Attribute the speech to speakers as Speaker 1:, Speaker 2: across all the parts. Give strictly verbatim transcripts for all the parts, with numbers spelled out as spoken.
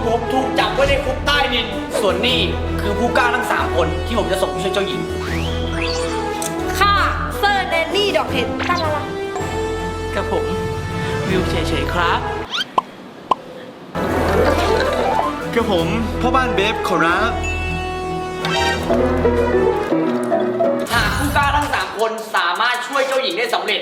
Speaker 1: ผมถูกจับไว้ในคุกใต้ดินส่วนนี่คือผู้กล้าทั้งสามคนที่ผมจะส่งไปช่วยเจ้าหญิง
Speaker 2: ข้าเซอร์เนลลี่ดอกเห็ดตาละละ
Speaker 3: กับผมวิวเฉยๆครับ
Speaker 4: กับผมพ่อบ้านเบฟขอรับ
Speaker 1: หากผู้กล้าทั้งสามคนสามารถช่วยเจ้าหญิงได้สำเร็จ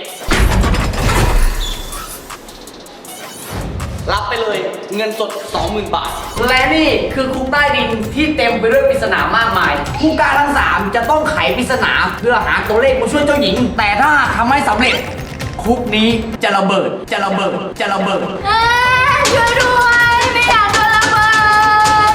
Speaker 1: รับไปเลยเงินสด สองหมื่น บาทและนี่คือคุกใต้ดินที่เต็มไปด้วยปริศนามากมายผู้กล้าทั้งสามจะต้องไขปริศนาเพื่อหาตัวเลขมาช่วยเจ้าหญิงแต่ถ้าทำไม่สำเร็จคุกนี้จะระเบิดจะระเบิดจะระเบิด
Speaker 2: ช่วยด้วยไม่อยากโดนระเบิด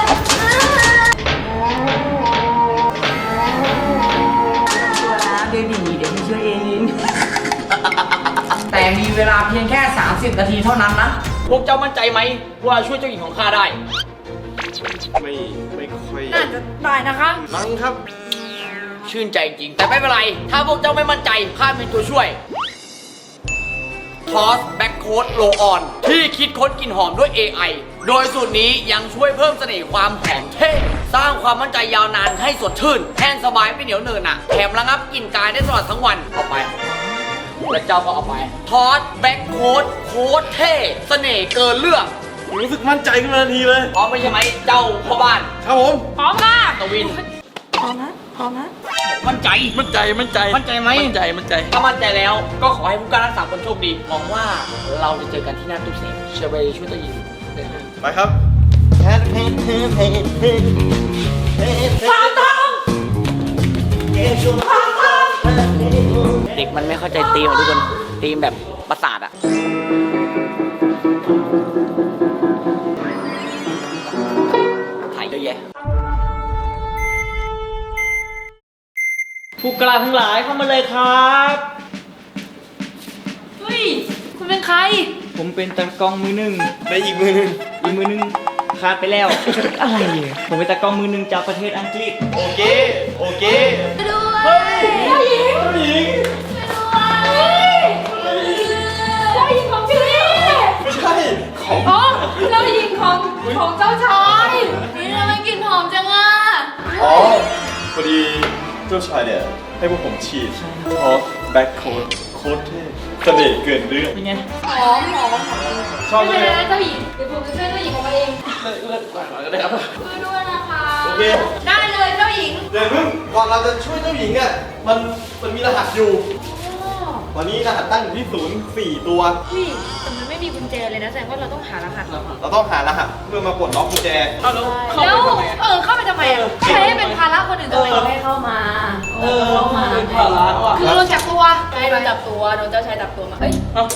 Speaker 1: ตัวนะเบบีเดี๋ยวพี่ช่วยเองแต่มีเวลาเพียงแค่สามสิบนาทีเท่านั้นนะพวกเจ้ามั่นใจไหมว่าช่วยเจ้าหญิงของข้าได้
Speaker 4: ไม่ไม่ค่อย
Speaker 2: น่าจะตายนะคะ
Speaker 4: มั้งครับ
Speaker 1: ชื่นใจจริงแต่ไม่เป็นไรถ้าพวกเจ้าไม่มั่นใจข้ามีตัวช่วยทอสแบ็คโค้ดโลออนที่คิดค้นกลิ่นหอมด้วย เอ ไอ โดยสูตรนี้ยังช่วยเพิ่มเสน่ห์ความหอมเท่สร้างความมั่นใจยาวนานให้สดชื่นแห้งสบายไม่เหนียวเนินอ่ะแถมระงับกลิ่นกายได้ตลอดทั้งวันเอาไปแล้วเจ้าก็เอาไปทอสแบ็คโค้ดโค้ดเท่เสน่ห์เกินเรื่อง
Speaker 4: รู้สึกมั่นใจขึ้นมาทันทีเลย
Speaker 1: พร้อมไม่ใช่ไหมเจ้าพ่อบ้าน
Speaker 4: ครับผม
Speaker 2: พร้อมค่ะ
Speaker 1: ตวิน
Speaker 2: พร้อมนะพร้อมนะ
Speaker 1: มั่นใจ
Speaker 3: มั่นใจมั่นใจ
Speaker 1: มั่นใจไหม
Speaker 3: มั่นใจมั่นใจ
Speaker 1: ถ้ามั่นใจแล้วก็ขอให้ผู้กล้าทั้งสามคนโชคดีหวังว่าเราจะเจอกันที่หน้าตู้เซฟเชอร์เบย์ช่วยตัวยิง
Speaker 4: ไปครับ
Speaker 2: ฟังต้องฟังต้อง
Speaker 1: เด็กมันไม่เข้าใจธีมทุกคนธีมแบบประสาทอะถ่ายเยอะแยะ
Speaker 3: ผู้กล้าทั้งหลายเข้ามาเลยครับ
Speaker 2: เฮ้ยคุณเป็นใคร
Speaker 3: ผมเป็นตากล้องมือหนึ่ง
Speaker 4: ในอีกมือหนึ่ง
Speaker 3: อีกมือหนึ่งขาดไปแล้ว อะไรเนี่ยผมเป็นตากล้องมือหนึ่งจากประเทศอังกฤษ
Speaker 4: โอเคโอเค
Speaker 2: ด้วย
Speaker 4: เฮ้ยเจ้าหญิงเจ้าหญิง
Speaker 2: เจ้าหญิงของพี่
Speaker 4: ไม่ใช่ของ
Speaker 2: อ๋อเจ้าหญิงของของเจ้าชายนี่ทำไมกลิ่นหอมจังอ่ะ
Speaker 4: อ๋อพอดีเจ้าชายเนี่ยให้พวกผมฉีดทอสแบ็คโค้ดโค้ดเท่เสน่ห์เกินเรื่อง
Speaker 3: เป็นไง
Speaker 2: หอมหอมชอบเลยนะเจ้าหญิงเดี๋ยวผมจะช่วยเจ้าหญิงออกมาเอง
Speaker 3: เลิกก่อนก็ได้ครับ
Speaker 2: ช่วยด้วยนะคะ
Speaker 4: โอเค
Speaker 2: ได้เลยเจ้าหญิง
Speaker 4: เดี๋ยวเพิ่งก่อนเราจะช่วยเจ้าหญิงอ่ะมันมันมีรหัสอยู่ตอนนี้รหัสตั้งอยู่ที่ศูนย์สี่ตัว
Speaker 2: พี่แต่มันไม่มีกุญแจเลยนะแสดงว่าเราต้องหารหัส
Speaker 4: เราต้องหารหัสเพื่อมาปลดล็อกกุญแจ
Speaker 3: เข้าแล้ว
Speaker 2: แล้วเออเข้าไปทำไมอ่ะใช้ให้เป็นภาระคนอื่นทำไมเราให้เข้ามา
Speaker 3: เออเข้ามาเป็นภาระว่ะ
Speaker 2: คือโดนจับตัวใช่โดนจับตัวโดนเจ้าชายจับตัวมาเอ้ย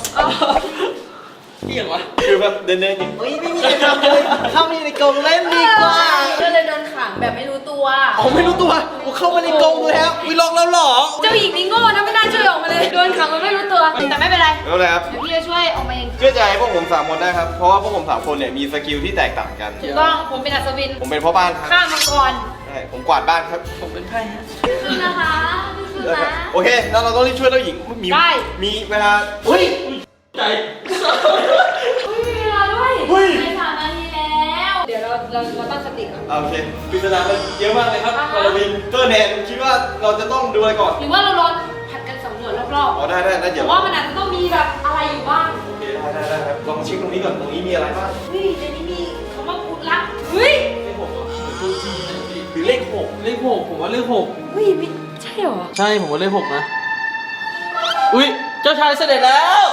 Speaker 3: เที่ยงวะ
Speaker 4: คือแบบเดินเดินอย่างเฮ้ยไม่มีอะไรทำเลยเข้ามาในกรงเล่นดีกว่า
Speaker 2: ก็เลยโดนขังแบบไม่รู้ตัว
Speaker 4: อ๋อไม่รู้ตัวกูเข้ามาในกรงแล้ววิล็อกแล้วหรอ
Speaker 2: เจ้าหญิงนี่โง่นะไม่น่าช่วยออกมาเลยโดนขังมันไม่รู้ตัวแต่ไม่เป็นไร
Speaker 4: ไม่เป็นไรครับ
Speaker 2: เดี๋ยวพี่จะช่วยออกมาเอง
Speaker 4: เชื่อใจพวกผมสามคนได้ครับเพราะว่าพวกผมสามคนเนี่ยมีสกิลที่แตกต่างกัน
Speaker 2: ถูกต้องผมเป็นอัศวิน
Speaker 4: ผมเป็นพ่อบ้านครับ
Speaker 2: ข้ามังกร
Speaker 4: ใช่ผมกวาดบ้านครับ
Speaker 3: ผมเป็นไพ่ฮะ
Speaker 2: คือนะคะคือนะ
Speaker 4: โอเคแล้วเราต้องรีบช่วยเจ้าหญิงมีมีเวลา
Speaker 3: อุ้ยใจ
Speaker 2: อุ้ยมีเวลาด้วยในสามนาทีแล้วเดี๋ยวเราเราเราตั้งสติก่อน
Speaker 4: โอเคปริศนามันเยอะมากเลยครับกอลวินเตอร์แนนคิดว่าเราจะต้องดูอะไรก่อน
Speaker 2: หรือว่าเราลองผัดกันสำรวจรอบๆ
Speaker 4: อ๋อได้ได้ได้เดี๋ยว
Speaker 2: ว่ามันอาจจะต้องมีแบบอะไรอยู่บ้าง
Speaker 4: โอเคได้ได้ได้ครับลองเช็คตรงนี้ก่อนตรงนี้มีอะไรบ้าง
Speaker 2: เฮ้ยในนี้มีคำว่ากุลักเฮ้ย
Speaker 4: เลขหกหรือเลขหก
Speaker 3: เลขหกผมว่าเลขหก
Speaker 2: เฮ้ยไม่ใช่หรอ
Speaker 3: ใช่ผมว่าเลขหกนะอุ้ยเจ้าชายเสด็จแล้ว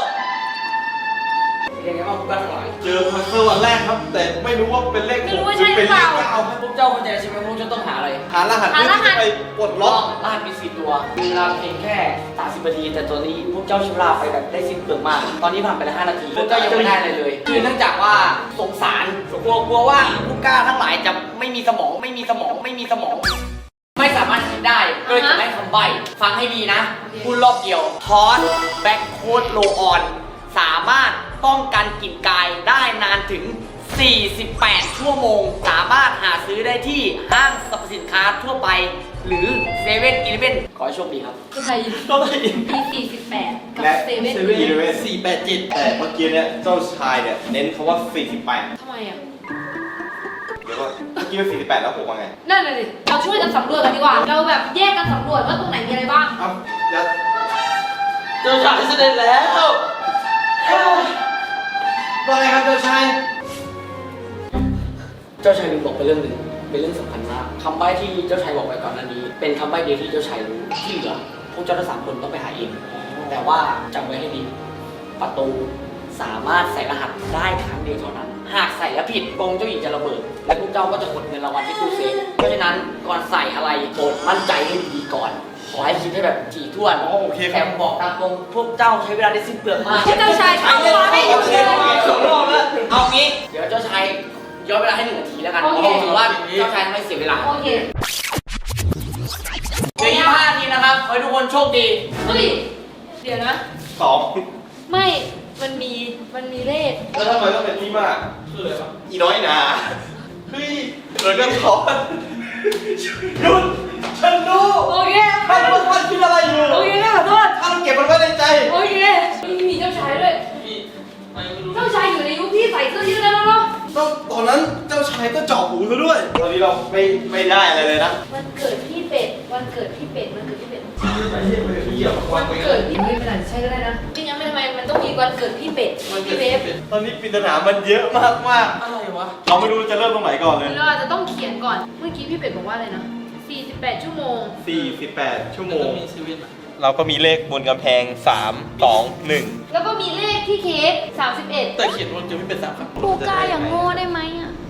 Speaker 4: เจอพัซเซิลวันแรกครับแต่ไม่รู้ว่าเป็นเลขหก
Speaker 2: หรือเป็นเลข
Speaker 1: เก้าพวกเจ้าเข้าใจใช่ไหมพวกเจ้าต้องหาอะไร
Speaker 4: หารหัสเพื่อที่จะไปปลดล็อก
Speaker 1: รหัสมีสี่ตัวมีเวลาเพียงแค่สามสิบนาทีแต่ตัวนี้พวกเจ้าใช้เวลาไปแบบได้สิ้นเปลืองมากตอนนี้ผ่านไปแล้วห้านาทีพวกเจ้ายังไม่ได้เลยเลยคือเนื่องจากว่าสงสารกลัวกลัวว่าผู้กล้าทั้งหลายจะไม่มีสมองไม่มีสมองไม่มีสมองไม่สามารถคิดได้ก็เลยจะให้คำใบ้ฟังให้ดีนะพูดรอบเดียวทอสแบ็คโค้ดโลออนสามารถป้องกันกลิ่นกายได้นานถึงสี่สิบแปดชั่วโมงสามารถหาซื้อได้ที่ห้างสรรพสินค้าทั่วไปหรือเซเว่นอีเลฟเว่นขอให้โชคดีครับ
Speaker 2: คือไทย
Speaker 3: ก็ไม่
Speaker 2: มีสี่สิบแปดกับ
Speaker 4: และ
Speaker 2: เซเว่น
Speaker 4: อีเลเว่นสี่แปดเจ็ดแต่เมื่อกี้เนี่ยเจ้าชายเนี่ยเน้นคำว่าสี่สิบแปด
Speaker 2: ทำไมอ่ะ
Speaker 4: เดี๋ยวก่อนเมื่อกี้เป็นสี่สิบแปดแล้วผมว่าไง
Speaker 2: นั่นน่ะดิเราช่วยกันสำรวจกันดีกว่า เราแบบแยกกันสำรวจว่าตรงไหนมีอะไรบ้าง
Speaker 4: เอ้าแล้ว
Speaker 3: เจ้าชายเสด็จแล้ว
Speaker 4: ว่าไงครับเจ้าชาย
Speaker 1: เจ้าชายลืมบอกไปเรื่องหนึ่งเป็นเรื่องสำคัญมากคำใบ้ที่เจ้าชายบอกไปก่อนหน้านี้ เป็นคำใบ้เดียวที่เจ้าชายรู้ที่เหลือพวกเจ้าทั้งสามคนต้องไปหาเองแต่ว่าจำไว้ให้ดีประตูสามารถใส่รหัสได้ครั้งเดียวเท่านั้น หากใส่แล้วผิดกรงเจ้าหญิงจะระเบิด และพวกเจ้าก็จะกดเงินรางวัลที่ตู้เซฟเพราะฉะนั้นก่อนใส่อะไรโปรดมั่นใจให้ดีๆก่อน ขอให้คิดให้แบบถี่ถ้วน
Speaker 4: อ๋อโอเคค
Speaker 1: แต่
Speaker 4: รับ
Speaker 1: บอกตามตรงพวกเจ้าใช้เวลาได้สิ้นเปลืองมาก
Speaker 2: เจ้าชายเข้ามาไม่หยุดเลย
Speaker 3: สองรอบแล้ว
Speaker 1: เอางี้ เดี๋ยวเจ้าชายย้อนเวลาให้หนึ่งนาทีแล้วกัน
Speaker 2: โอเค
Speaker 1: ถือว่าเจ้าชายไม่เสียเวลา
Speaker 2: โอเค
Speaker 1: เดี๋ยวยี่สิบห้านาทีนะครับ ขอให้ทุกคนโชคดี
Speaker 2: เฮ้ย เดี๋ยวนะ
Speaker 4: สอง
Speaker 2: ไม่ มันมี มันมีเลข
Speaker 4: แล้วทำไมต้องเป็นพี่มาก
Speaker 3: คืออะไรวะ
Speaker 4: อีน้อยหนาเฮ้ยเหมือนกันเขาหยุดฉันรู้
Speaker 2: โอเค
Speaker 4: ท่านว่าท่านคิดอะไรอยู่
Speaker 2: โอเคขอโทษ
Speaker 4: ท่านเก็บมันไว้ในใจ
Speaker 2: โอเคมีมีเจ้าชายด้วย
Speaker 3: พี่ไม่รู้
Speaker 2: เจ้าชายอยู่ในยุคที่ใส่เสื้อยืดแล้วเนาะ
Speaker 4: ต้องตอนนั้นเจ้าชายก็เจาะหูซะด้วย ตอนนี้เราไม่ไม่ได้อะไรเลยนะ
Speaker 2: วันเกิดพี่เป็ด วันเกิดพี่เป็ด วันเกิดพี่เป็ด
Speaker 3: ไม่ใช่ไม่ใช่พี่เหยียบ
Speaker 2: วันเกิดพี่เป็ดมันอาจจะใช่ก็ได้นะไม่งั้นไม่ทำไมมันต้องมีวันเกิดพี่เป็ด พี่เวฟ
Speaker 4: ตอนนี้ปริศนามันเยอะมากมาก
Speaker 3: อะไรวะ
Speaker 4: ๆเราไม่รู้จะเริ่มตรงไหนก่อนเลย
Speaker 2: เราอาจจะต้องเขียนก่อน เมื่อกี้พี่เป็ดบอกว่าอะไรนะสี่สิบแปดชั่วโมง
Speaker 4: สี่สิบแปดชั่วโม
Speaker 3: ต้
Speaker 4: ง
Speaker 3: องมีชีวิตอะ
Speaker 4: เราก็มีเลขบนกำแพงสาม สอง หนึ่ง
Speaker 2: แล้วก็มีเลขที่เค้กสามสิบเอ็ด
Speaker 3: แต่เขียนว่าจะไม่เป็นสามครับ
Speaker 2: ปูกาอย่างโง่ได้ไหมอ่ะ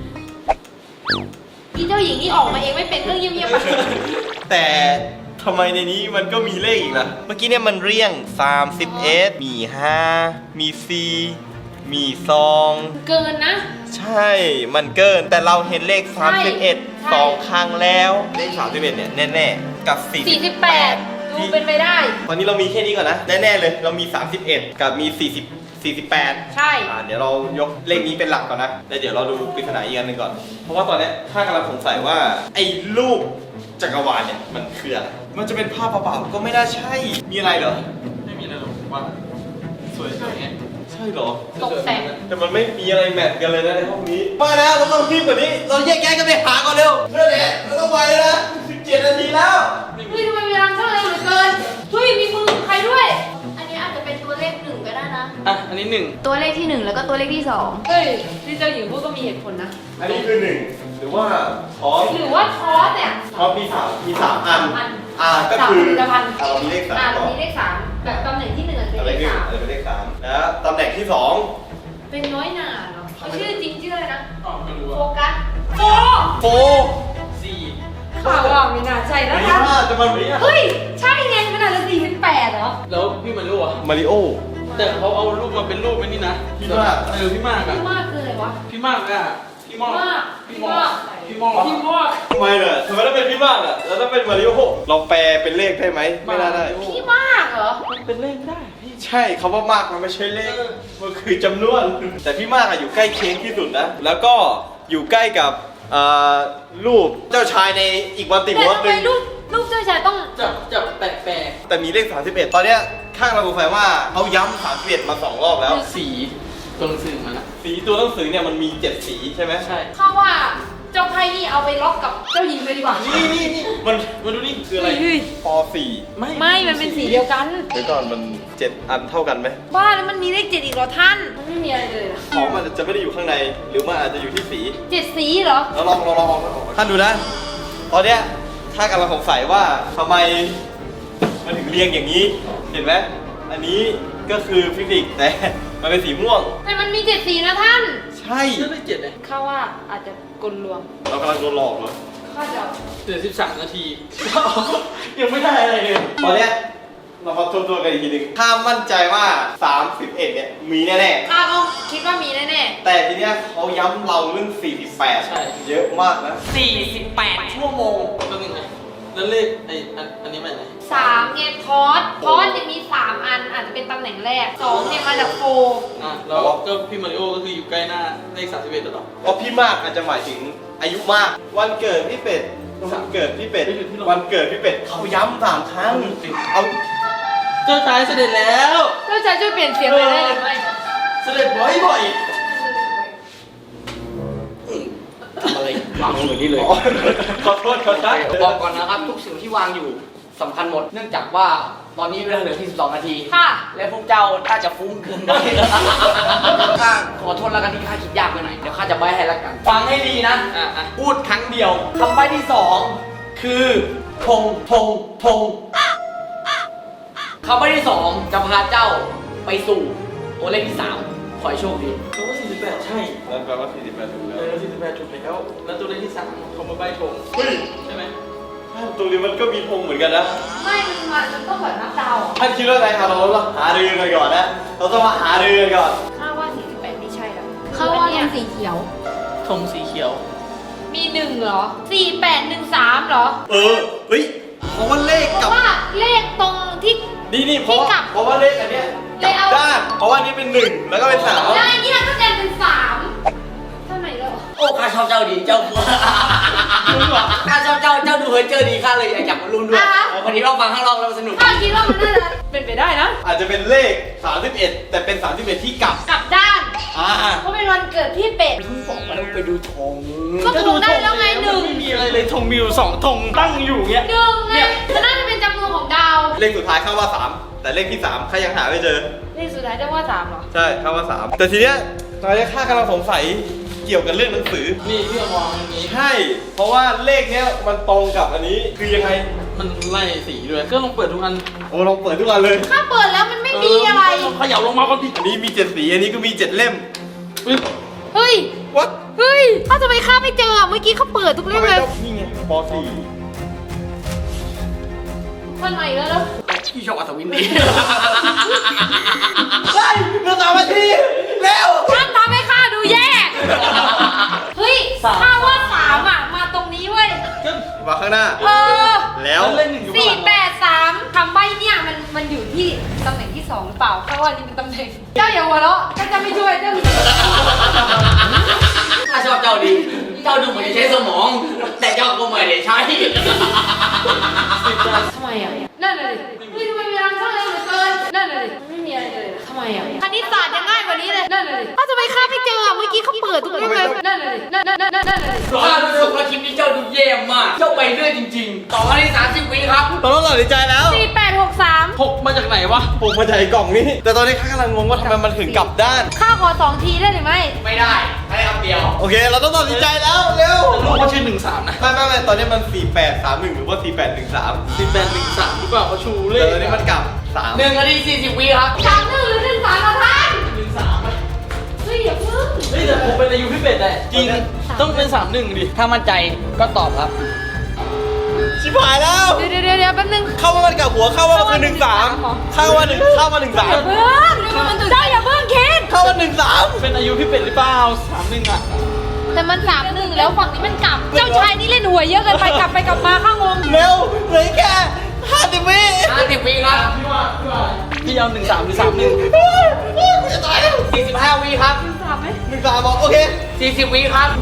Speaker 2: อีเจ้าหญิงที่ออกมาเองไม่เป็นก็เงียบๆไป
Speaker 4: แต่ทำไมในนี้มันก็มีเลขอีกล่ะ เมื่อกี้เนี่ยมันเรียงสามสิบเอ็ดมีห้ามีสี่มีสอง
Speaker 2: เกินนะ
Speaker 4: ใช่ มันเกิน แต่เราเห็นเลข
Speaker 2: ใช่
Speaker 4: สามสิบเอ็ด
Speaker 2: ใช่
Speaker 4: สองครั้งแล้ว เลขสามสิบเอ็ดเนี่ยแน่ๆ กับสี่
Speaker 2: สี่สิบแปดดูเป็นไปได้
Speaker 4: ตอนนี้เรามีแค่นี้ก่อนนะ แน่ๆเลย เรามี สามสิบเอ็ด กับมี สี่สิบ สี่สิบแปด
Speaker 2: ใช่
Speaker 4: อ่าเดี๋ยวเรายกเลขนี้เป็นหลักก่อนนะ แล้วเดี๋ยวเราดูปริศนาอีกอันหนึ่งก่อน เพราะว่าตอนเนี้ยถ้ากำลังสงสัยว่าไอ้รูปจักรวาลเนี่ยมันคืออะไร มันจะเป็นภาพเปล่าๆก็ไม่น่าใช่ มีอะไรเหรอ
Speaker 3: ไม่มีอะไรหรอกว่าสวยสวยไง
Speaker 4: ใช่เหรอ
Speaker 2: ตกแต่ง
Speaker 4: แต่มันไม่มีอะไรแมทกันเลยนะในห้องนี้มาแล้วเราต้องรีบกว่านี้ เราแยกย้ายกันไปหาก่อนเร็วเรื่องนี้เราต้องไวเลยนะสิบเจ็ดนาทีแล้ว
Speaker 2: เฮ้ยทำไมเวลาช่างเร็วเหลือเกินเฮ้ยมีมือใครด้วย อันนี้อาจจะเป็นตัวเลขหนึ่งก็ได้นะ
Speaker 3: อ่ะ อันนี้หนึ่ง
Speaker 2: ตัวเลขที่หนึ่งแล้วก็ตัวเลขที่สองเฮ้ยที่เจ้าหญิงพูดก็มีเหตุผลนะ
Speaker 4: อันนี้คือหนึ่งหรือว่าทอส
Speaker 2: หรือว่าทอสเนี่ย
Speaker 4: ทอสมีสามมีสามอัน
Speaker 2: สามอัน
Speaker 4: อ่าก็
Speaker 2: สาม
Speaker 4: คือ
Speaker 2: ผลิตภัณฑ์
Speaker 4: อ่าเรามีเลขสาม
Speaker 2: อ่า
Speaker 4: ก่อน
Speaker 2: มีเลขสามแบบตำแหน่งที่หนึ่งอาจจะ
Speaker 4: อะ
Speaker 2: เป็น
Speaker 4: ไร
Speaker 2: เลข
Speaker 4: หนึ่ง
Speaker 2: สาม
Speaker 4: อะไรเป็นเลขสามแล้วตำแหน่งที่สอง
Speaker 2: เป็นน้อยหนาเหรอเขาชื่อจริงชื่ออะไรนะ
Speaker 3: อ๋อไม่รู้
Speaker 2: โฟ
Speaker 3: ว่า
Speaker 2: กัสโฟ
Speaker 4: โฟ
Speaker 3: สี่
Speaker 2: ข่าวอ่ะไม่น่าใช่
Speaker 4: อั
Speaker 2: นะ
Speaker 4: นนี้
Speaker 2: คะ
Speaker 4: ห้าจะมันนี้
Speaker 2: เฮ้ย ใช่ไงมันอาจจะสี่เป็นแปดเหรอ
Speaker 3: แล้วพี่มารู้อ่ะ
Speaker 4: มาริโอ
Speaker 3: แต่เขาเอารูปมาเป็นรูปไอ้นี่นะ
Speaker 4: พี่มาก
Speaker 3: เออพี่มากอ่ะ
Speaker 2: พี่มากคืออะไรวะ
Speaker 3: พี่มากอ่ะ พี่มอก
Speaker 2: มาก
Speaker 3: พี่
Speaker 2: พี่
Speaker 3: มอ
Speaker 2: มาก ก
Speaker 3: พี่มอก
Speaker 2: พี่มาก
Speaker 4: ทำไมเนี่ยทำไมต้องเป็นพี่มากอ่ะแล้วต้องเป็นมาริโอเราแปลเป็นเลขได้ไหมไม่น่าได้
Speaker 2: พี่มากเหรอ
Speaker 3: มันเป็นเลขได้พี่
Speaker 4: ใช่คำว่ามากมันไม่ใช่เลข มันคือจำนวน แต่พี่มากอะอยู่ใกล้เคียงที่สุดนะ แล้วก็อยู่ใกล้กับอ่ารูปเจ้าชายในอีกวันติ
Speaker 2: แต่
Speaker 4: มอส
Speaker 2: ทำ
Speaker 4: ห
Speaker 2: ไม
Speaker 4: นึ่ง
Speaker 2: ลูกลูกเจ้าชายต้อง
Speaker 3: จับจับแปลกแปลก
Speaker 4: แต่มีเลขสามสิบเอ็ดตอนเนี้ยข้างเราสงสัยว่าเขาย้ำสามสิบเอ็ดมาสองรอบแล้ว
Speaker 3: สีตัวหนังสือมันอ่ะ
Speaker 4: สีตัวหนังสือเนี่ยมันมีเจ็ดสีใช่ไหม
Speaker 3: ใช่
Speaker 2: เข้าว่าเจ้าไพ่นี่เอาไปล็อกกับเจ้าหญิงเลยดีกว่า
Speaker 4: นี่นี่นี่มันมาดูนี่คืออะไร
Speaker 2: เฮ้ย
Speaker 4: ปสี่
Speaker 3: ไม่
Speaker 2: ไม่ มันเป็นสีเดียวกัน
Speaker 4: เดี๋ยวก่อนมันเจ็ดอันเท่ากันไหม
Speaker 2: บ้าแล้วมันมีเลขเจ็ดอีกเหรอท่าน มันไม่มีอะไรเลยเหรอ
Speaker 4: ของมันจะไม่ได้อยู่ข้างใน หรือมันอาจจะอยู่ที่สี
Speaker 2: เจ็ดสีเหรอ
Speaker 4: แล้วลองลองลองลองท่านดูนะ ตอนเนี้ยถ้ากำลังสงสัยว่าทำไมมันถึงเรียงอย่างนี้ เห็นไหมอันนี้ก็คือฟิสิกส์แต่มันเป็นสีม่วง
Speaker 2: แต่มันมีเจ็ดสีนะท่าน
Speaker 4: ใช่
Speaker 3: เลือกได้เจ็ดเลย
Speaker 2: ข้าว่าอาจจะกลลวง
Speaker 4: เรากำลังโดนหลอกเหรอ
Speaker 2: ข้าจะ
Speaker 3: เหลือสิบสามนาที ยังไม่ได้อะไรเลย
Speaker 4: ตอนเนี้ยเรามาทบทวนกันอีกทีหนึงถ้ามั่นใจว่าสามสิบเอ็ดเนี่ยมีแน่
Speaker 2: ข้าก็คิดว่ามีแน่
Speaker 4: ๆ แต่ทีเนี้ยเขาย้ำเราเรื่องสี่สิบแปด
Speaker 3: ใช่
Speaker 4: เยอะมากนะ
Speaker 1: สี่สิบแปดชั่วโมง
Speaker 3: แป๊บนึงนะแล้วเลขไอ้อันอันนี้มาจากไหน
Speaker 2: ๆสามไงทอสทอสเนี่ยมีสามอันอาจจะเป็นตำแหน่งแรกสองเนี่ยมาจากโฟ
Speaker 3: อ่ะแล้วก็พี่มาริโอก็คืออยู่ใกล้หน้าเลขสามสิบเอ็ดตลอด
Speaker 4: เพราะพี่มากอาจจะหมายถึงอายุมาก วันเกิดพี่เป็ดวันเกิดพี่เป็ดวันเกิดพี่เป็ดเขาย้ำสามครั้งเอา
Speaker 3: เจ้าชายเสด็จแล้ว
Speaker 2: เจ้าชายช่วยเปลี่ยนเสียงไปได้หรือไม่
Speaker 4: เสด็จบ่อยบ่อย
Speaker 1: ทำอะไรวางลงอย่างนี้เลย
Speaker 4: ขอโทษขอโทษ
Speaker 1: บอกก่อนนะครับ ทุกสิ่งที่วางอยู่สำคัญหมด เนื่องจากว่าตอนนี้เวลาเหลือที่สิบสองนาที
Speaker 2: ค่ะ
Speaker 1: และพวกเจ้าถ้าจะฟุ้งเกินไปข้าขอโทษแล้วกันที่ข้าคิดยากไปหน่อย เดี๋ยวข้าจะใบ้ให้แล้วกัน ฟังให้ดีนะ พูดครั้งเดียวคำใบ้ที่สองคือธงธงธงคำใบ้ที่สองจะพาเจ้าไปสู่ตัวเลขที่สามขอให้โชคดี
Speaker 3: เขาว่าสี่สิบแปดใช่
Speaker 4: แล้วแปลว่าสี่สิบแปดถูก
Speaker 3: เอ
Speaker 4: แล้ว
Speaker 3: อสี่สิบแปดถูกแล้วแล้วตัวเลขที่สามเขามาใบธง
Speaker 4: เฮ้ย
Speaker 3: ใช่ไหม
Speaker 4: ตรงนี้มันก็มีธงเหมือนกันนะ
Speaker 2: ไม่มันมามันต้องแบบนับดาว
Speaker 4: ท่านคิดว่าไงครับเราต้องหารือกันก่อนนะเราต้องมาหารือกันก่อน
Speaker 2: ข้าว่าสี่สิบแปดไม่ใช่แล้วข้าว่าเป็นสีเขียว
Speaker 3: ธงสีเขียว
Speaker 2: มีหนึ่งเหรอสี่แปดหนึ่งสามเหรอ
Speaker 4: เออเฮ้ยเพราะว่าเลข
Speaker 2: เพ
Speaker 4: กับ
Speaker 2: ราะว่าเลขตรงที่
Speaker 4: นี่นี่เพราะว่า
Speaker 2: ที่กลับ
Speaker 4: เพราะว่าเลขอันเนี้ย
Speaker 2: เลขเอา
Speaker 4: ด้านเพราะว่านี่เป็นหนึ่งแล้วก็เป็นสาม
Speaker 2: แล้วอันนี้เราก็จะเป็นสามทำไมเหรอ
Speaker 1: โอ้ข้าชอบเจ้าดีเจ้าข้าชอบเจ้าเจ้าดูเฮ้ยเจอดีข้าเลยอยากจับมารุ่นด้วยวันนี้เราฟังข้างนอกแล้วสนุก
Speaker 2: ข้าคิดว่ามันน่าจะเป็นไปได้นะ
Speaker 4: อาจจะเป็นเลขสามสิบเอ็ดแต่เป็นสามสิบเอ็ดที่กลับ
Speaker 2: กลับด้าน
Speaker 4: อ่า
Speaker 2: เพราะเป็นวันเกิดพี่เป็ด
Speaker 1: บอกว่าไปดูธง
Speaker 2: ก็ถูกได้แล้วไงหนึ่ง
Speaker 3: ไม่มีอะไรเลยธงมีอยู่สองธงตั้งอยู่เงี้ย
Speaker 2: หนึ่งไงมันน่าจะเป็นจำนวนของดาว
Speaker 4: เลขสุดท้ายเข้าว่าสามแต่เลขที่สามข้ายังหาไม่เจอ
Speaker 2: เลขสุดท้ายจะว่าสามเหรอ
Speaker 4: ใช่เข้าว่าสามแต่ทีเนี้ยตอนนี้ข้ากำลังสงสัยเกี่ยวกับเรื่องหนังสือ
Speaker 3: นี่พี่มองอย่างนี้
Speaker 4: ใช่เพราะว่าเลขเนี้ยมันตรงกับอันนี้คือยังไง
Speaker 3: มันไล่สีด้วยก็ลองเปิดทุกอัน
Speaker 4: โอ้ลองเปิดทุกวันเลย
Speaker 2: ถ้าเปิดแล้วมันไม่มีอะไร
Speaker 3: ลองเขย่าลงมาก่อนดิ
Speaker 4: อันนี้มีเจ็ดสีอันนี้ก็มีเจ็ดเล่ม
Speaker 3: อุ๊ย
Speaker 2: เฮ้ย
Speaker 4: วัด
Speaker 2: เฮ้ยถ้าจะไปข้าไม่เจออะเมื่อกี้เขาเปิดทุกเล่มเลย
Speaker 4: นี่ไงปสี่
Speaker 2: วันไหนแล้วแล้ว
Speaker 1: พี่ชอบอัศวินดี
Speaker 4: เฮ้ยเหลือสามนาทีเร็ว
Speaker 2: ท่านทำให้ข้าดูแย่ เฮ้ยข้าว่าสามอ่ะ มาตรงนี้เว้ย
Speaker 3: ก็
Speaker 4: มาข้างหน้า
Speaker 2: เออ
Speaker 4: แล้ว
Speaker 3: มันเล่นหนึ่งอยู่ข้าง
Speaker 2: สี่
Speaker 3: หลัง
Speaker 2: แปดสามคำใบ้เนี่ยมันมันอยู่ที่ตำแหน่งที่สองหรือเปล่าข้าว่านี่เป็นตำแหน่ง เจ้าอย่าหัวเราะเจ้าจะไม่ช่วยเจ้า
Speaker 1: ข้าชอบเจ้าดี เจ้าดูเหมือนจะใช้สมอง แต่เจ้าก็ไม่ได้ใช้
Speaker 2: ทำไมอ่ะ นั่นเลยเฮ้ยทำไมมีรังช่างเลยเหลือเกิน นั่นเลยไม่มีอะไรเลยทำไมอ่ะคณิตศาสตร์ยังง่ายกว่านี้เลย นั่นเลยถ้าจะไปข้าไม่เจออะเมื่อกี้เขาเปิดทุกเล่มเลย นั่นเลยนั่นนั่นนั่นนั่นเลย
Speaker 1: ข้ารู้สึกว่าคลิปนี้เจ้าดูแย่มาก เจ้าไปเรื่อยจริงๆ ต่อมาที่สามสิบวิครับ
Speaker 4: ตอนนั้นตัดสินใจแล้ว
Speaker 2: สี่แปดหกสาม
Speaker 3: หกมาจากไหนวะ
Speaker 4: ผมมาจากไอ้กล่องนี้ แต่ตอนนี้ข้ากำลังงงว่าทำไมมันถึงกลับด้าน
Speaker 2: ข้าขอสองทีได้หรือไม่
Speaker 1: ไม่ได้ให้คำเดียว
Speaker 4: โอเค เราต้องตัดสินใจแล้วเร็ว
Speaker 3: แต่ลูกเขาชื่อหนึ่งสามนะ
Speaker 4: ไม่ไม่ไม่ตอนนี้มันสี่แปดสามหนึ่งหรือว่าสี่แปดหนึ่งสาม
Speaker 3: สิบแปดหนึ่งสามหรือเปล่าเขาชูเล
Speaker 4: แต่
Speaker 3: ข
Speaker 4: ตอนนี้มันกลับสาม
Speaker 1: หนึ่งนาทีสี่สิบวิครับ
Speaker 2: สามหนึ่งหรือหนึ่งสามละท่าน
Speaker 3: หนึ่งสามไหม
Speaker 2: เฮ้ยอย่าเพิ่ง
Speaker 3: เฮ้ยแต่ผมเป็นอายุพี่เป็ดแหละจริงต้องเป็นสามหนึ่งดิ
Speaker 1: ถ้ามั่นใจก็ตอบครับ
Speaker 4: ชิบหายแล้ว
Speaker 2: เดี๋ยวเดี๋ยวเดี๋ยวแป๊บนึง
Speaker 4: เข้าว่ามันกลับหัวเข้าว่ามันคือหนึ่งสามเข้าว่าหนึ่งเข้าว่าหนึ่งสาม
Speaker 2: เพิ่งเจ้าอย่าเพิ่งคิด
Speaker 4: เข้าว่าหนึ่งสาม
Speaker 3: เป็นอายุพี่เป็ดหรือเปล่าสามหนึ่งอ่ะ
Speaker 2: แต่มันสามหนึ่งแล้วฝั่งนี้มันกลับ เจ้าชายนี่เล่นหวยเยอะเกินไปกลับไปกลับมาข้างงง
Speaker 4: เร็วเหลือแค่ห้าสิบวิ
Speaker 1: ห้าสิบวิครับ
Speaker 3: พี่ว่าพี่ว่าพี่เอาหนึ่งสามหรือสามหนึ่ง
Speaker 4: จะตายแล้ว
Speaker 1: สี่สิบห้าวิครับ
Speaker 2: สามไหม
Speaker 4: หนึ่งสามบอกโอเค
Speaker 1: สี่สิบวิครับ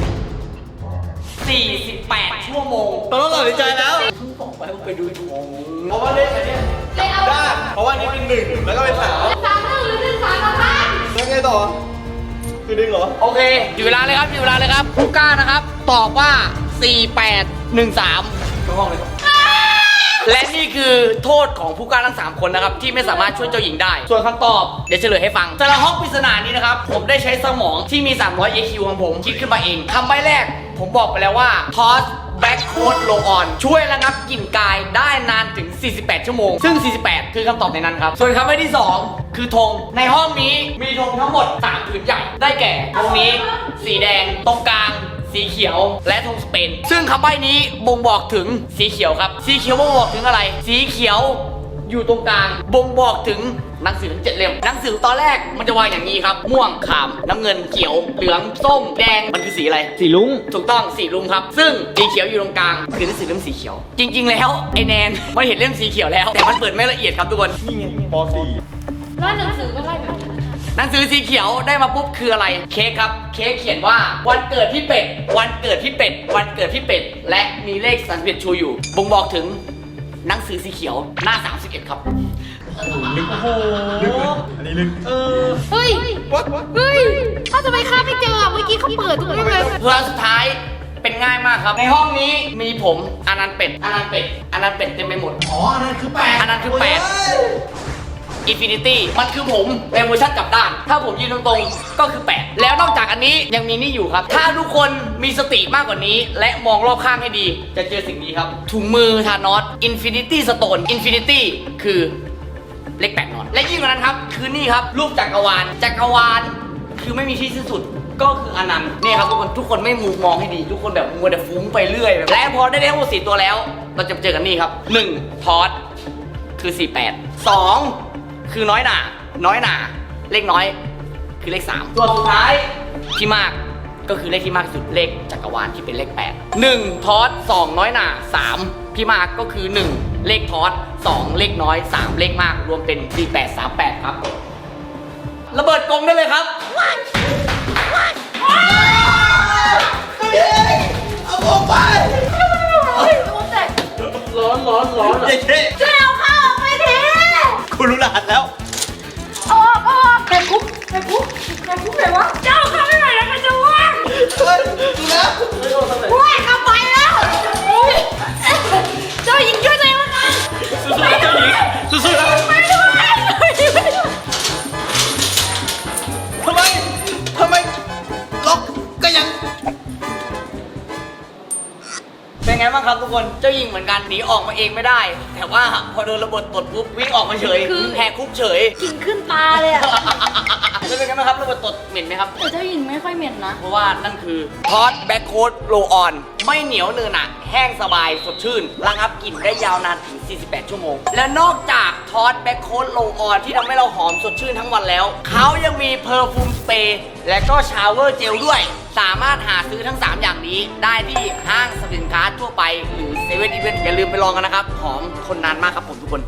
Speaker 1: สี่สิบแปดชั่วโมง
Speaker 4: ตอนนั้นตัดสินใจแล้ว
Speaker 1: บอกไปว่าไปดูธง
Speaker 4: เพราะว่าเลขอันเนี้ย
Speaker 2: เลยเอา
Speaker 4: ด้านเพราะว่านี่เป็นหนึ่งแล้วก็เป็นสาม
Speaker 2: สามหนึ่งหรือหนึ่งสามละท่าน
Speaker 4: แล้วไงต่อ คือดึงเหรอ
Speaker 1: โอเคอยู่เวลาเลยครับอยู่เวลาเลยครับผู้กล้านะครับ ตอบว่า สี่แปดหนึ่งสาม
Speaker 3: เข้าห้องเลยครับ
Speaker 1: และนี่คือโทษของผู้กล้าทั้งสามคนนะครับ ที่ไม่สามารถช่วยเจ้าหญิงได้ ส่วนคำตอบเดี๋ยวเฉลยให้ฟังแต่ละห้องปริศนานี้นะครับ ผมได้ใช้สมองที่มี สามร้อย เอ คิว ของผมคิดขึ้นมาเองคำใบ้แรก ผมบอกไปแล้วว่า Toss Back Coat Roll On ช่วยระงับกลิ่นกายได้นานถึง สี่สิบแปด ชั่วโมง ซึ่ง สี่สิบแปด คือคำตอบในนั้นครับ ส่วนคำใบ้ที่สองคือธงในห้องนี้มีธงทั้งหมดสามผืนใหญ่ได้แก่ธงนี้ สีแดงตรงกลาง สีเขียวและธงสเปนซึ่งคำใบ้นี้บ่งบอกถึงสีเขียวครับสีเขียวบ่งบอกถึงอะไร สีเขียวอยู่ตรงกลางบ่งบอกถึงหนังสือทั้งเจ็ดเล่มหนังสือตอนแรกมันจะวางอย่างนี้ครับม่วงขามน้ำเงินเขียวเหลืองส้มแดงมันคือสีอะไร
Speaker 3: สีลุง
Speaker 1: ถูกต้องสีลุงครับ ซึ่งสีเขียวอยู่ตรงกลางคือหนังสือเล่มสีเขียว จริง ๆ แล้วไอแนนมันเห็นเล่มสีเขียวแล้วแต่มันเปิดไม่ละเอียดครับทุกคน
Speaker 4: นี่ไงปสี่
Speaker 2: ร้านหนังสือก็ไล่แบบนั้น
Speaker 1: หนังสือสีเขียวได้มาปุ๊บคืออะไรเค้กครับเค้กเขียนว่าวันเกิดพี่เป็ดวันเกิดพี่เป็ดวันเกิดพี่เป็ดและมีเลขสามสิบเอ็ดชูอยู่บ่งบอกถึงหนังสือสีเขียวหน้าสามสิบเอ็ดครับ
Speaker 4: ลึกโอ้โหอันนี้ลึกเออ
Speaker 2: เฮ้ย เฮ้ยถ้าทำไมข้าไม่เจออ่ะเมื่อกี้เขาเปิดทุกเรื่องเลย
Speaker 1: เพื่อสุดท้ายเป็นง่ายมากครับในห้องนี้มีผมอนันต์เป็ดอนันต์เป็ดอนันต์เป็ดเต็มไปหมด
Speaker 4: อ๋ออันนั้นคือแปด
Speaker 1: อันนั้นคือแปด อินฟินิตี้มันคือผมในเวอร์ชันกลับด้าน ถ้าผมยืนตรงๆก็คือแปดแล้วนอกจากอันนี้ยังมีนี่อยู่ครับ ถ้าทุกคนมีสติมากกว่านี้ และมองรอบข้างให้ดี จะเจอสิ่งนี้ครับ ถุงมือธานอสอินฟินิตี้สโตนอินฟินิตี้คือเลขแปดนอน และยิ่งกว่านั้นครับ คือนี่ครับ รูปจักรวาลจักรวาลคือไม่มีที่สิ้นสุดก็คืออนันต์นี่ครับทุกคนทุกคนไม่มูมองให้ดี ทุกคนแบบมัวแต่ฟุ้งไปเรื่อยแบบและพอได้ทั้งหมดสี่ตัวแล้ว เราจะเจอกันนี่ครับหนึ่งทอสคือสี่แปด สองคือน้อยหนาน้อยหนาเลขน้อยคือเลขสามตัวสุดท้ายที่มากก็คือเลขที่มากที่สุดเลขจักรวาลที่เป็นเลขแปด หนึ่งทอสสองน้อยหนาสามพี่มากก็คือหนึ่งเลขทอสสองเลขน้อยสามเลขมากรวมเป็นสี่แปดสามแปดครับระเบิดกรงได้เลยครับ
Speaker 4: เอาออกไป
Speaker 1: ร้อนร้อนร้อน
Speaker 4: เจ๊เจ๊
Speaker 2: ช่วยเอาข้าวออกไปที
Speaker 4: คุณรู้รหัสแล้ว
Speaker 2: ออกออกไปคุกไปคุกไปคุกไหนวะเจ้าข้าวไม่ไหวแล้วมันจะว่าง
Speaker 4: เฮ้ยดูนะ
Speaker 2: ว่างเข้าไปแล้วเจ้าหญิงช่วยตัวเองแล้วกัน
Speaker 1: สู้ๆเจ้าหญิงสู้ๆนะ
Speaker 2: ไปด้วย
Speaker 4: ทำไมทำไมล็อกก็ยัง
Speaker 1: เป็นไงบ้างครับทุกคนเจ้าหญิงเหมือนกันหนีออกมาเองไม่ได้ แต่ว่าพอโดนระเบิดตดปุ๊บวิ่งออกมาเฉยแหกคุกเฉย
Speaker 2: กลิ่นขึ้นตาเลยอ่ะ
Speaker 1: แล้วเป็นไงบ้างครับระเบิดตดเหม็นไหมครับ
Speaker 2: แต่เจ้าหญิงไม่ค่อยเหม็นนะ
Speaker 1: เพราะว่านั่นคือทอสแบ็คโค้ดโรออนไม่เหนียวเนินหนะแห้งสบายสดชื่นระงับกลิ่นได้ยาวนานถึง สี่สิบแปด ชั่วโมง และนอกจากทอสแบ็คโค้ดโรออนที่ทำให้เราหอมสดชื่นทั้งวันแล้ว เขายังมีเพอร์ฟูมสเปรย์และก็ชาวเวอร์เจลด้วย สามารถหาซื้อทั้ง สาม อย่างนี้ได้ที่ห้างสรรพสินค้าทั่วไปหรือเซเว่นอีเวนต์อย่าลืมไปลองกันนะครับหอมทนนานมากครับผมทุกคน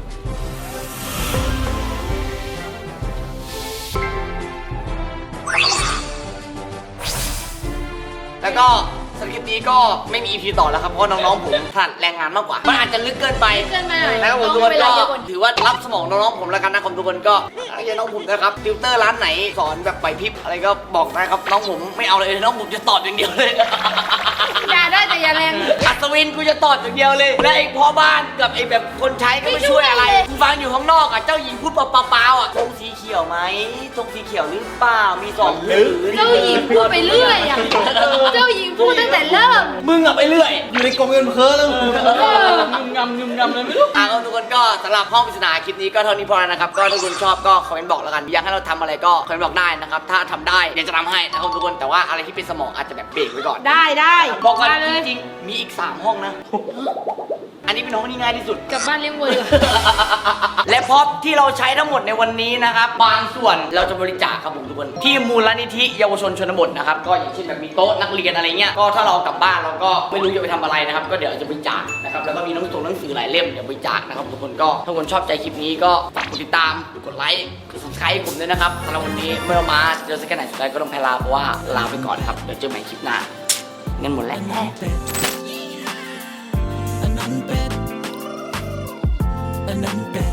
Speaker 1: แล้วก็สคริปต์นี้ก็ไม่มี อี พี ต่อแล้วครับเพราะน้องๆผมถนัดแรงงานมากกว่ามันอาจจะลึกเกินไป
Speaker 2: เกินไปหน่อย
Speaker 1: นะครับผมทุกคนก็ถือว่ารับสมองน้องๆผมแล้วกันนะครับทุกคนก็ไม่ใช่น้องผมนะครับติวเตอร์ร้านไหนสอนแบบไหวพริบอะไรก็บอกนะครับน้องผมไม่เอาเลยน้องผมจะตอบอย่างเดียวเลย
Speaker 2: อย่าได้แต่อย่าแรง
Speaker 1: อัศวินกูจะตอบอย่างเดียวเลยและไอ้พ่อบ้านกับไอ้แบบคนใช้ก็ไม่ช่วยอะไรกูฟังอยู่ข้างนอกอ่ะเจ้าหญิงพูดเปล่าๆอ่ะธงสีเขียวไหมธงสีเขียวหรือเปล่ามีสองหรือ
Speaker 2: เจ้าหญิงพูดไปเรื่อยอ่ะ เจ้าหญิงพูดตั้งแต่เริ่ม
Speaker 1: มึงอะไปเรื่อย
Speaker 4: อยู่ในกรงเงินเพ้อแล้ว
Speaker 2: เออ
Speaker 3: งึมงำงึมงำเลยไม่รู้
Speaker 1: อ่ะก็ทุกคนก็สำหรับห้องปริศนาคลิปนี้ก็เท่านี้พอแล้วนะครับ ก็ถ้าคุณชอบก็คอมเมนต์บอกแล้วกัน อยากให้เราทำอะไรก็คอมเมนต์บอกได้นะครับ ถ้าทำได้เดี๋ยวจะทำให้นะครับทุกคน แต่ว่าอะไรที่เป็นสมองอาจจะแบบเบรกไว้ก่อน
Speaker 2: ได้ได้
Speaker 1: บอกก่อน
Speaker 2: มาเลย
Speaker 1: จริงๆ มีอีก สาม ห้องนะ อันนี้เป็นห้องที่ง่ายที่สุด
Speaker 2: กลับบ้านเลี้ยงวัวดีกว่า
Speaker 1: และพร็อพที่เราใช้ทั้งหมดในวันนี้นะครับบางส่วนเราจะบริจาคครับผมทุกคนที่มูลนิธิเยาวชนชนบทนะครับก็อย่างเช่นแบบมีโต๊ะนักเรียนอะไรเงี้ยก็ถ้าเรากลับบ้านเราก็ไม่รู้จะไปทำอะไรนะครับก็เดี๋ยวจะบริจาคนะครับแล้วก็มีหนังสือหนังสือหลายเล่มเดี๋ยวบริจาคนะครับทุกคนก็ถ้าคนชอบใจคลิปนี้ก็ฝากกดติดตามกดไลค์กด ซับสไครบ์ ให้ผมด้วยนะครับสำหรับวันนี้เมื่อมาเจอสักแค่ไหนสุดท้ายก็ต้องแพ้ลาเพราะว่าลาไปก่อนครับเดี๋ยวเจอใหม่คลิปหน้าเงินหมดแล้ว
Speaker 5: อันนั้นเป็ดอันนั้นเป็ด